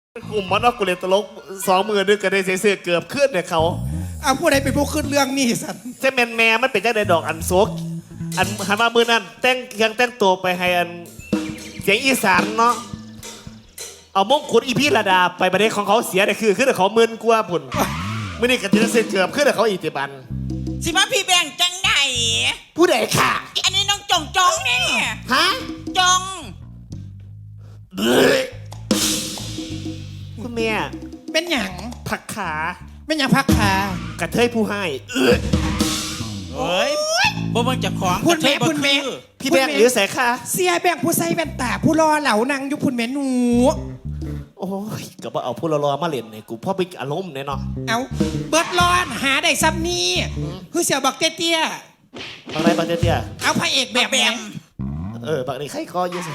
กลุ่มมันเอากูเล่นตลก20,000นึงก็ได้เสียเกือบขึ้นเนี่ยเขาเอาผู้ใดเป็นผู้ขึ้นเรื่องนี่สันเส้นแม่มันเป็นจังไดดอกอันโซกอันหันมามือนั้นแต่งยังแต่งตัวไปให้อันเสียงอีสานเนาะเอามงกุฎอีพี่ระดาไปประเด็นของเขาเสียเนี่ยคือเขาหมื่นกว่าพุ่นมื่อนี้กันจะเสียเกือบขึ้นเขาอีกติบันสิมาพี่แบงจังไหนผู้ใดค่ะอันนี้น้องจองเนี่ยฮะจองคุณแม่เป็นหยังผักขาเป็นหยังพักขากระเทยผู้ให้เฮ้ยบ่มึงจะของพุ่นแม่พุ่นแม่พี่แบงค์หรือแสค่ะเสียแบงผู้ใส่แว่นตาผู้รอเหล่านังอยู่พุ่นแม่หนูโอ้ยก็บ่เอาผู้รอๆมาเล่นในกูพ่อไปอารมณ์เนี่ยเนาะเอาเบิดรอนหาได้ซ้ำนี่คือเสียวบักเตี้ยอะไรบักเตี้ยๆเอาพระเอกแบบแบแบมบักนี้ใครก็ยืด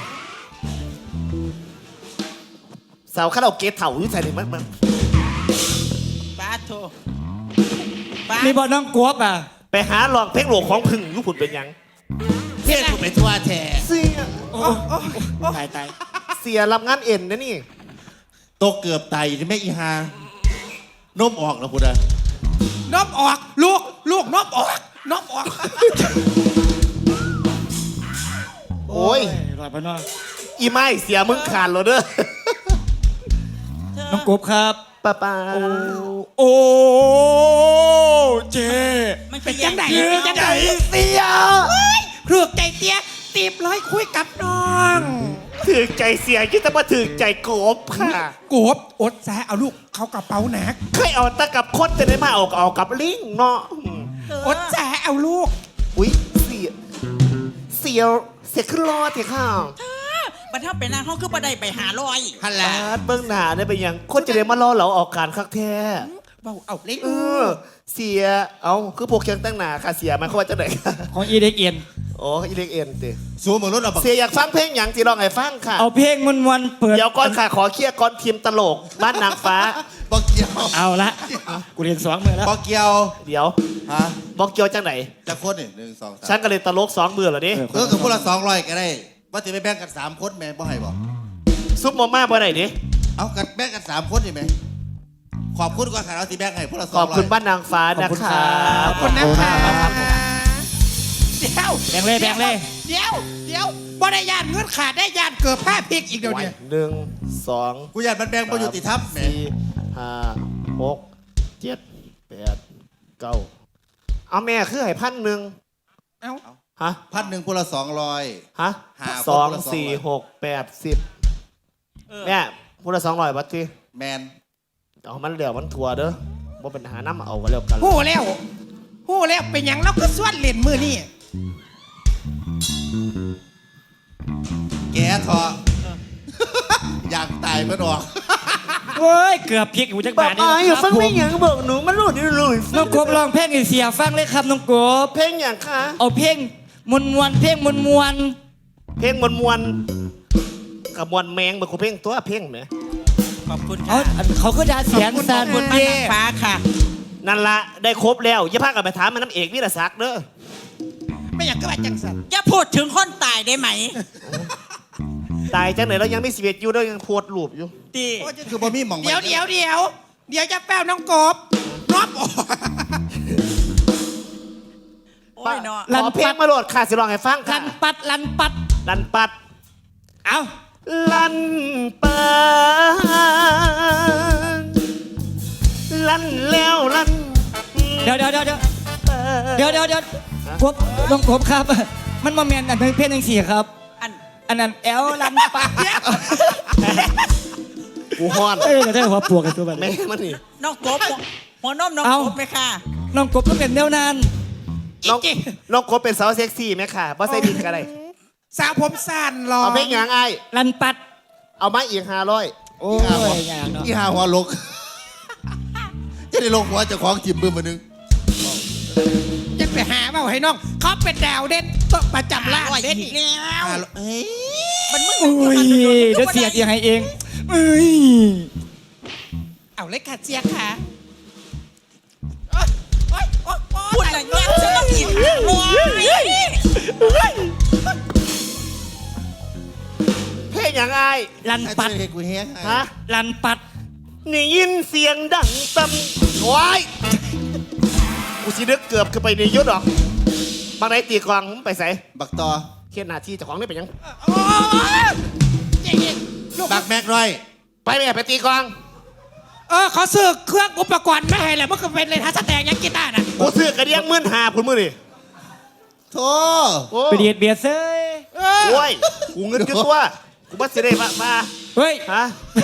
สาวข้าเราเกตเถ่าอยู่ใส่เลยมันป้าโทป้ามีบอลน้องกวบอ่ะไปหาลองเพลงโหลของพึ่งยุพุ่นเป็นยังเที่ยวถูกไปทั่วแท้เสียตายตายเสียรับงานเอ็นนะนี่โตเกือบตายที่แม่อีหานมออกแล้วพูดอะนบออกลูกนบออกนบออกโอ้ยรอยพนออีไม่เสียมึงขาดแล้วเด้อน้องกบครับป้าโอ้เจมันเป็นจังไหนเเป็นจังไหนเสียเครือกใจเตี้ยตีบร้อยคุยกับน้องถือใจเสียยิ่งแต่มาถือใจโกบค่ะโกบอดแซะเอาลูกเขากระเป๋าหนักเคยเอาตะกับคดจะได้มาเอากับลิงเนาะอดแซะเอาลูกอุ้ยเสียขึ้นรอเถอะค่ะบัดถ้าเป็นนางเขาคือบัได้ไปหาลอยฮัลโหลบาดเบื้องหน้าได้ไปยังคนจะได้มารอเราออกการคักแท้เบาเอาเล่นเสียเอาคือพวกเคียงตั้งหนาค่ะเสียมันเขาว่าจะไหนค่ะของอีเด็กเอียนโอ้อีเล็กเอ็นติสูงเหมือนรถเราบักเสียอยากฟังเพลงอย่างที่ร้องให้ฟังค่ะเอาเพลงมันวันเปิดเดี๋ยวก่อนค่ะขอเคลียร์ก่อนทีมตลกบ้านนางฟ้าบอกเกียวเอาละกูเรียนสองมือแล้วบอกเกียวเดี๋ยวฮะบอกเกียวจังไหนจะคนนี่หนึ่งสองฉัสามนก็เลยตลก2 มือเหรอดิกับพวกเรา200ก็ได้ ว่าจะไปแบ่งกัน3 คนแม่บ่ให้บอกซุปมาม่าบ่ไหนดิเอากันแบ่งกัน3 คนนี่ไหมขอบคุณก่อนค่ะเราสิแบ่งให้พวกเรา200 ขอบคุณบ้านนางฟ้านะคะขอบคุณนะคะเดี๋ยวแบ่งเลยแบ่งเลยเดี๋ยวบ่ได้ยานเงินขาดได้ยานเกิดผ้าพริกอีกเดี๋ยวเนี่ย 1 2 กูอยากมันแบ่งบ่ยุติธรรมแหม่ 4 5 6 7 8 9เอาแม่คือให้1,000 เอาฮะ 1,000พวกเรา200 ฮะหาสองคนละสี่ 200 หก80แม่พูดละ200 บัตรทีแมนเอามันเหลือมันทัวเด้อว่าเป็นหาน้ำเอากันแล้วกันหู้แล้วเป็นหยังเราก็ส่วนเล่นมือนี่แกเถอะอยากตายเพื่อนออกโอ้ยเกือบพลิกอยู่จักบาทนี่นะครับผมบอกหนูมันหลุดหลุดน้องกบลองเพลงให้เสียฟังเลยครับน้องกบเพลงอย่างคะเอาเพลงมวนเพลงมวนเพลงมวนกับมวนแมงเหมือนกูเพลงตัวเพลงเนี่ยขอบคุณเอาค่ะเขาก็ด่าเสียงขสัอบนคุณบ้านนางฟ้าค่ะนั่นละได้ครบแล้วอย่าพากันไปถามมันน้ำเอกวิรศักดิ์เด้อไม่อยากก็ว่าจังสันอย่าพูดถึงคนตายได้ไหมตายจังไหนเรายังไม่11อยู่เรายังโพดรูปอยู่ตีคือบ่มีหม่องเดี๋ยวจะแป้วน้องกบนบออกโอ้ยเนาะขอเพลงมาโหลดค่ะสิลองให้ฟังลัค่ะนปัดลันปัดลันปัดเอาลันปัดลันแล้วลันเดี๋ยวกบน้องกบครับ มันมาแมนอันเพลงหนึ่งสี่ครับ อันนั้นแอลลันปัดกูฮ้อนเอ้ยได้หัวปวกกันตัวแบบแม่นี้มันนี่น้องกบหัวนมน้องเอ้ากบไหมค่ะน้องกบต้องเป็นแนวนานน้องโคเป็นสาวเซ็กซี่ไหมค่ะบ่ใส่ดินกันเลยสาวผมสั้นหรอเอาเพลงอย่างไอลันปัดเอามาอีก500 โอ้ยอย่างเนาะอีหาหัวลก จะได้ลงหัวเจ้าของจิบมือมานึงจะไปหาเปล่าให้น้องเขาเป็นดาวเด่นต้องประจำล่างอร่อยเด่นอีอีกกแล้วเอ้ยมันมึงอุ้ยเดี๋ยวเสียยังไงเองเอ้ยเอาเลยค่ะเจียค่ะพูดอะไรเงี้ยฉันต้องกินลอยเพลเป็นอย่างไอลันให้ปัดช่วยให้กูแห้งให้ฮะลันปัดนี่ยินเสียงดังตำว้ายกูสินึกเกือบขึ้นไปในยุทธหรอกบางไหนตีกลองมึงไปใส่บักต่อเขียนหน้าที่เจ้าของนี่เป็นหยังโอ้ยเจ๊ลูกบักแม็กร้อยไปแม่ไปตีกลองเขาซื้อเครื่องอุปกรณ์มาให้แล้วมันก็เป็นเลยท่าสแตงยังกีตาร์น่ะกูซื้อกระเดียง15,000พุ่นมือดิโธ่โอ้ไปเดียดเบียดเซ้ยโอ้ยกูเงินอยู่ตัวกูบ่สิได้มาเฮ้ยฮะ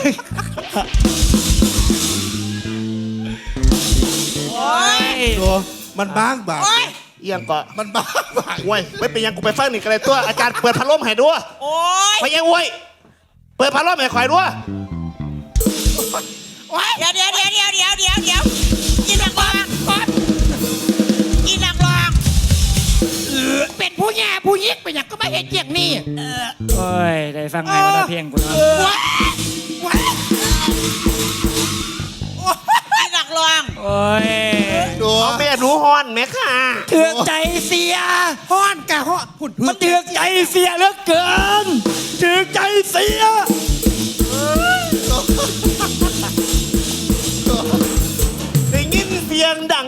โอ้ยโธ่มันบ้างบางโอ้ยเอียงก็มันบ้างบางโอ้ยไม่เป็นหยังกูไปฟังนี่กันเลยตัวอาจารย์เปิดพัดลมให้ด้วยโอ้ยไปยังโว้ยเปิดพัดลมให้ข่อยด้วยโอ้ยเดี๋ยวอีนักร้องก่อนอีนักร้องเป็นผู้แย่ผู้ยิกไปอย่างก็ไม่เห็นอย่างนี้โอ้ย ได้ฟังไงมาได้เพียงกูเนาะว้ายว้ายอีนักร้องโอ้ยโธ่เอาแม่หนูฮอนแม่ค่ะเถือกใจเสียฮ้อนกะฮ้อนพุ่นมันเถือกใจเสียเหลือเกินเถือกใจเสียได้ยินเสียงดัง